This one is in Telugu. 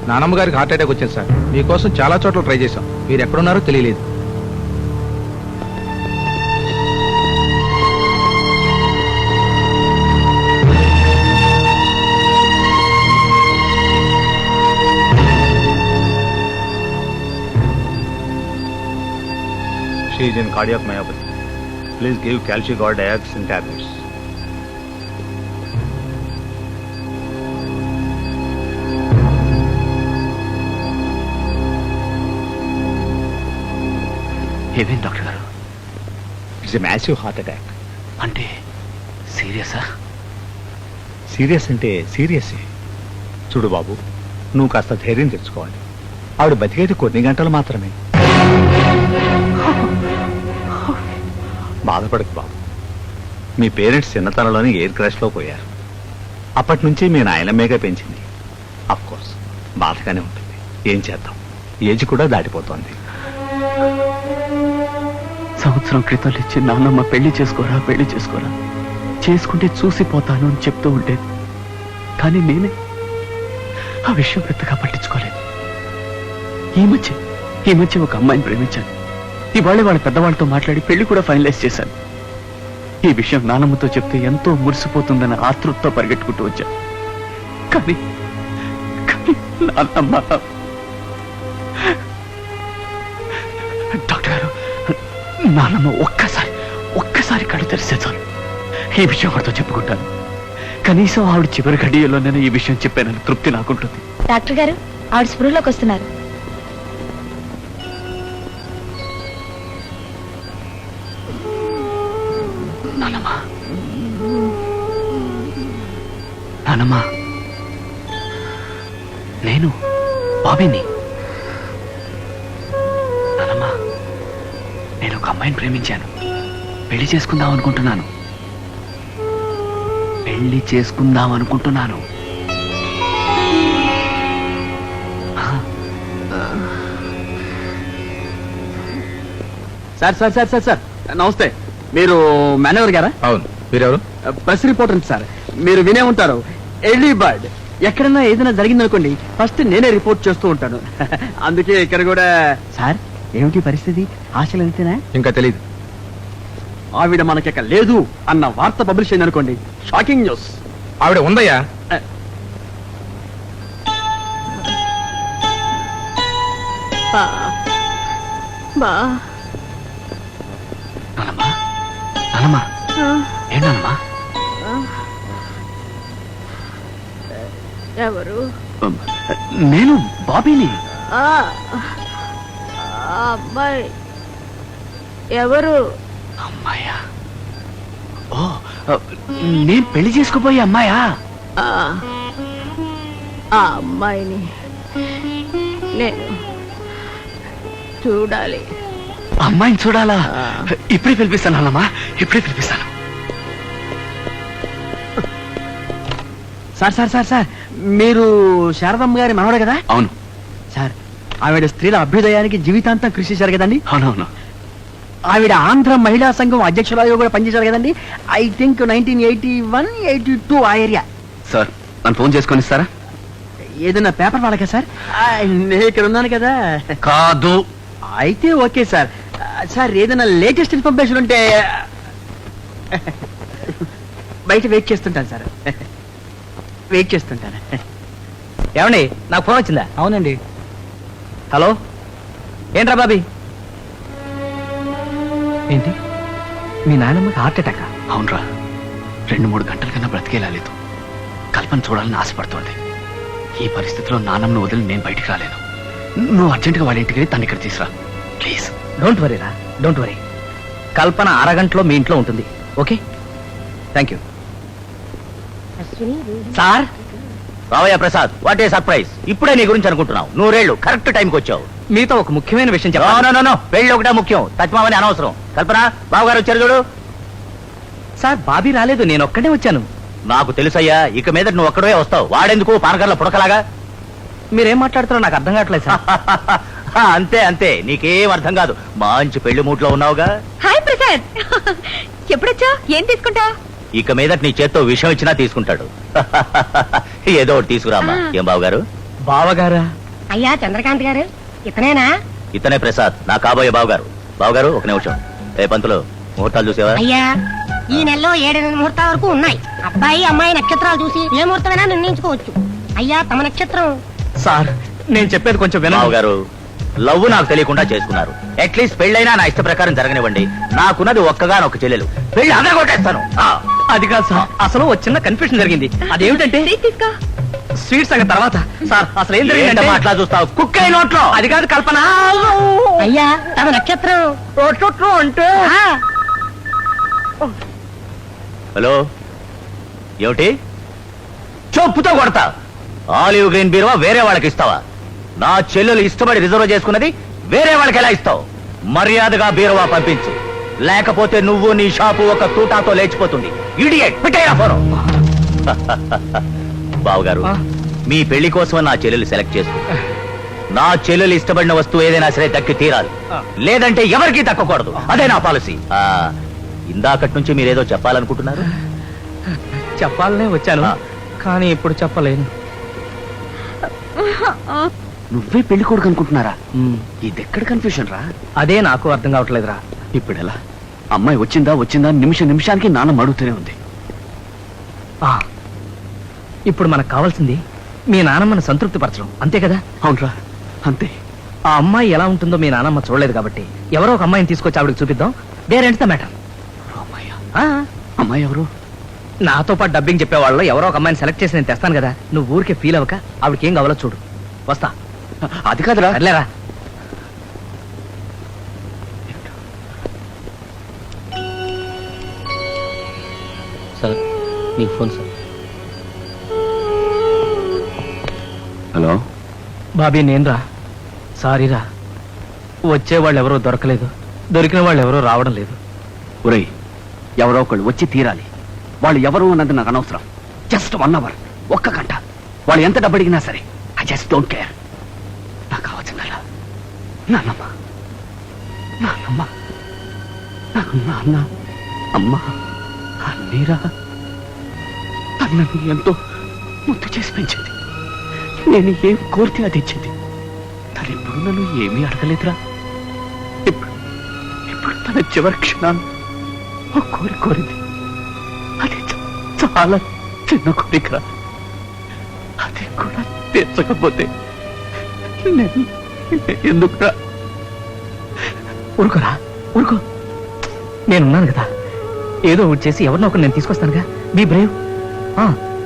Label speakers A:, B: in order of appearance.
A: నానమ్మ గారికి హార్ట్ అటాక్ వచ్చింది సార్. మీకోసం చాలా చోట్ల ట్రై చేశాం. మీరు ఎక్కడున్నారో తెలియలేదు.
B: She is in cardiac myopathy. Please give Calcigard Ax in tablets.
C: ఏమేం డాక్టర్ గారు?
B: It's a massive heart attack.
C: అంటే సీరియసా?
B: సీరియస్ అంటే సీరియస్. చూడు బాబు, నువ్వు కాస్త ధైర్యం తెచ్చుకోవాలి. ఆవిడ బతికేది కొన్ని గంటలు మాత్రమే. బాధపడకు బాబు. మీ పేరెంట్స్ చిన్నతనంలోనే ఎయిర్ క్రాష్లో పోయారు. అప్పటి నుంచి మీ నాయనమ్మేగా పెంచింది. అఫ్ కోర్స్ బాధగానే ఉంటుంది. ఏం చేద్దాం, ఏజ్ కూడా దాటిపోతోంది.
C: సంవత్సరం క్రితం ఇచ్చి నాన్నమ్మ పెళ్లి చేసుకోరా చేసుకుంటే చూసిపోతాను అని చెప్తూ ఉండేది. కానీ నేనే ఆ విషయం పెద్దగా పట్టించుకోలేదు. ఈ మధ్య ఒక అమ్మాయిని ప్రేమించాను. ఇవాళ వాళ్ళ పెద్దవాళ్ళతో మాట్లాడి పెళ్లి కూడా ఫైనలైజ్ చేశాను. ఈ విషయం నానమ్మతో చెప్తే ఎంతో మురిసిపోతుందన్న ఆతృతతో పరిగెట్టుకుంటూ వచ్చాను. కానీ నాన్నమ్మ... డాక్టర్ గారు, నాన్నమ్మ ఒక్కసారి కళ్ళు తెరిస్తే చాలు ఈ విషయం ఆవిడతో చెప్పుకుంటాను. కనీసం ఆవిడ చివరి గడియలో నేను ఈ విషయం చెప్పానని తృప్తి నాకుంటుంది.
D: డాక్టర్ గారు, ఆవిడ స్పృహలోకి వస్తున్నారు. నానమ్మా, నేను బాబీని. నానమ్మా, నేను ఒక అమ్మాయిని ప్రేమించాను. పెళ్లి చేసుకుందాం అనుకుంటున్నాను. సార్ నమస్తే. మీరు మేనేజర్ గారా?
A: అవును. మీరెవరు?
C: Press reporter sir. మీరు వినే ఉంటారు, ఎర్లీ బర్డ్. ఎక్కడన్నా ఏదైనా జరిగిందనుకోండి ఫస్ట్ నేనే రిపోర్ట్ చేస్తూ ఉంటాను. అందుకే ఇక్కడ కూడా. సార్, ఏమిటి పరిస్థితి? ఆశలు అంతేనా?
A: ఇంకా తెలీదు.
C: ఆవిడ మనకిక లేదు అన్న వార్త పబ్లిష్ అయింది అనుకోండి, షాకింగ్ న్యూస్.
A: ఆవిడ ఉందయ్యా.
C: ఏంటమ్మా?
D: ఎవరు?
C: నేను బాబీని.
D: అమ్మాయి ఎవరు?
C: అమ్మాయా? ఓ, నేను పెళ్లి చేసుకుపోయే అమ్మాయా?
D: ఆ అమ్మాయిని నేను చూడాలి.
C: అమ్మాయిని చూడాలా? ఇప్పుడే పిలిపిస్తాను అన్నమ్మా, ఇప్పుడే పిలిపిస్తాను. సార్, మీరు శారదమ్మ గారి మనవడే కదా? అవును సార్. ఆవిడ స్త్రీల అభ్యుదయానికి జీవితాంతం కృషి చేశారు కదండి? అవునవును. ఆవిడ ఆంధ్ర మహిళా సంఘం అధ్యక్షురాలుగా కూడా పనిచేశారు కదండి? ఐ థింక్ 1981-82 ఆ ఏరియా. సార్, నన్ను ఫోన్ చేసుకొని ఇస్తారా? ఏదైనా పేపర్ వాళ్ళకా సార్? నేను ఇక్కడ ఉన్నాను కదా. కాదు. అయితే ఓకే సార్. సార్, ఏదైనా లేటెస్ట్ ఇన్ఫర్మేషన్ ఉంటే బయట వెయిట్ చేస్తుంటాను సార్. ఏమండి, నాకు ఫోన్ వచ్చిందా? అవునండి. హలో, ఏంట్రా బాబీ? ఏంటి, మీ నాయనమ్మకి హార్ట్ అటాక్? అవునరా, 2-3 గంటల కన్నా బ్రతికేలా లేదు. కల్పన చూడాలని ఆశపడుతోంది. ఈ పరిస్థితిలో నాన్నమ్మను వదిలి నేను బయటికి రాలేను. నువ్వు అర్జెంటుగా వాళ్ళ ఇంటికి వెళ్ళి తను ఇక్కడ తీసురా ప్లీజ్. డోంట్ వరీ రా, డోంట్ వరీ. కల్పన అరగంటలో మీ ఇంట్లో ఉంటుంది. Okay, thank you. సార్,
E: రావయ్య ప్రసాద్, వాట్ ఏ సర్ప్రైజ్. ఇప్పుడే నీ గురించి అనుకుంటున్నావు. 100 కరెక్ట్ టైంకి వచ్చావు.
C: మీతో ఒక ముఖ్యమైన విషయం చెప్పాలి.
E: నో, పెళ్లి ఒకటే ముఖ్యం, తత్మామని అనవసరం. కల్పన, బావగారు వచ్చారు చూడు.
C: సార్, బాబీ రాలేదు, నేను ఒక్కడే వచ్చాను.
E: నాకు తెలుసయ్యా, ఇక మీద నువ్వు ఒక్కడే వస్తావు. వాడెందుకు పానకర్ల పుడకలాగా?
C: మీరేం మాట్లాడుతున్నారో నాకు అర్థం కావట్లేదు సార్.
E: అంతే, నీకేం అర్థం కాదు. మంచి పెళ్లి మూట్లో ఉన్నావుగా.
D: హాయ్ ప్రసాద్, ఎప్పుడొచ్చా? ఏం తీసుకుంటా?
E: ఇక మీద నీ చేత్తో విషయం ఇచ్చినా తీసుకుంటాడు. ఏదో ఒకటి తీసుకురామ్మా. ఏం బావగారు?
C: బావగారా?
F: అయ్యా చంద్రకాంత్ గారు ఇతనేనా?
E: ఇతనే ప్రసాద్, నా కాబోయే బావగారు. బావగారు ఒక నిమిషం. ఏ పంతులు, ముహూర్తాలు చూసావా?
F: అయ్యా ఈ నెలలో 7 ముహూర్తాల వరకు ఉన్నాయి. అబ్బాయి అమ్మాయి నక్షత్రాలు చూసి ఏ ముహూర్తమైనా నిర్ణయించుకోవచ్చు. అయ్యా తమ నక్షత్రం.
C: సార్ నేను చెప్పేది కొంచెం
E: బావగారు, లవ్ నాకు తెలియకుండా చేసుకున్నారు. అట్లీస్ట్ పెళ్ళైనా నా ఇష్ట ప్రకారం జరగనివ్వండి. నాకున్నది ఒక్కగానొక్క చెల్లెలు. పెళ్లి అందరూ కొట్టేస్తాను.
C: అది కాదు సార్, అసలు ఒక చిన్న కన్ఫ్యూషన్ జరిగింది. అదేమిటంటే స్వీట్ సంగతి తర్వాత. సార్ అసలు ఏం జరిగిందంటే
E: అట్లా చూస్తావు, కుక్క అయి నోట్లో.
C: అది కాదు కల్పన.
F: అయ్యా తమ నక్షత్రం.
C: అంటే
F: ఆ,
E: హలో, ఏమిటి? చెప్పుతో కొడతా. ఆలివ్ గ్రీన్ బీరువా వేరే వాళ్ళకి ఇస్తావా? నా చెల్లెలు ఇష్టపడి రిజర్వ్ చేసుకున్నది వేరే వాళ్ళకి ఎలా ఇస్తావు? మర్యాదగా బీరువా పంపించు, లేకపోతే నువ్వు నీ షాపు ఒక తూటాతో లేచిపోతుంది. ఇడియట్, పెట్టేయ్ ఆ ఫోను. బావగారు, మీ పెళ్లి కోసం నా చెల్లెలు సెలెక్ట్ చేసుకో. నా చెల్లెలు ఇష్టపడిన వస్తువు ఏదైనా సరే దక్కి తీరాలి, లేదంటే ఎవరికీ దక్కకూడదు. అదే నా పాలసీ. ఇందాకటి నుంచి మీరేదో చెప్పాలనుకుంటున్నారు.
C: చెప్పాలనే వచ్చాను, కానీ ఇప్పుడు చెప్పలేను.
D: నువ్వే పెళ్లి కొడుకు అనుకుంటున్నారా? ఇది ఎక్కడ కన్ఫ్యూషన్ రా?
C: అదే నాకు అర్థం కావట్లేదురా.
D: ఇప్పుడు ఎలా? అమ్మాయి వచ్చిందా వచ్చిందా నిమిషానికి నాన్న అడుగుతూనే ఉంది.
C: ఆ, ఇప్పుడు మనకు కావాల్సింది మీ నానమ్మను సంతృప్తి పరచడం, అంతే కదా?
D: అవునరా, అంతే.
C: ఆ అమ్మాయి ఎలా ఉంటుందో మీ నానమ్మ చూడలేదు కాబట్టి ఎవరో ఒక అమ్మాయిని తీసుకొచ్చి ఆవిడకి చూపిద్దాం. There ends the matter.
D: అమ్మాయి ఎవరు?
C: నాతో పాటు డబ్బింగ్ చెప్పేవాళ్ళు ఎవరో ఒక అమ్మాయిని సెలెక్ట్ చేసి నేను తెస్తాను కదా. నువ్వు ఊరికే ఫీల్ అవ్వక ఆవిడకి ఏం కావాలో చూడు. వస్తా.
D: అది కాదురా.
C: అట్లేరా.
E: సార్ మీకు ఫోన్ సార్.
D: హలో
C: బాబీ నేనురా. సారీరా, వచ్చేవాళ్ళు ఎవరో దొరకలేదు, దొరికిన వాళ్ళు ఎవరో రావడం లేదు.
D: ఒరేయ్, ఎవరో ఒకళ్ళు వచ్చి తీరాలి. వాళ్ళు ఎవరు అన్నది నాకు అనవసరం. జస్ట్ 1 hour, 1 గంట. వాళ్ళు ఎంత డబ్బు అడిగినా సరే, ఐ జస్ట్ డోంట్ కేర్. నాకు కావాల్సిందల్లా నాన్నమ్మ. నాన్నమ్మ, నాకు నాన్న అమ్మ అన్నీరా. అన్నని ఎంతో ముద్దు చేసి పెంచింది. నేను ఏం కోరితే అది ఇచ్చింది. తను ఎప్పుడు నన్ను ఏమీ అడగలేదురా. ఇప్పుడు తన చివరి క్షణాన్ని ఒక కోరిక కోరింది. అది చాలా చిన్న కోరిక. అది కూడా తీర్చకపోతే నేను ఎందుకురా?
C: ఊరుకోరా, ఊరుకో. నేనున్నాను కదా, ఏదో ఒకటి చేసి ఎవరినో ఒకరు నేను తీసుకొస్తానుగా. Be Brave.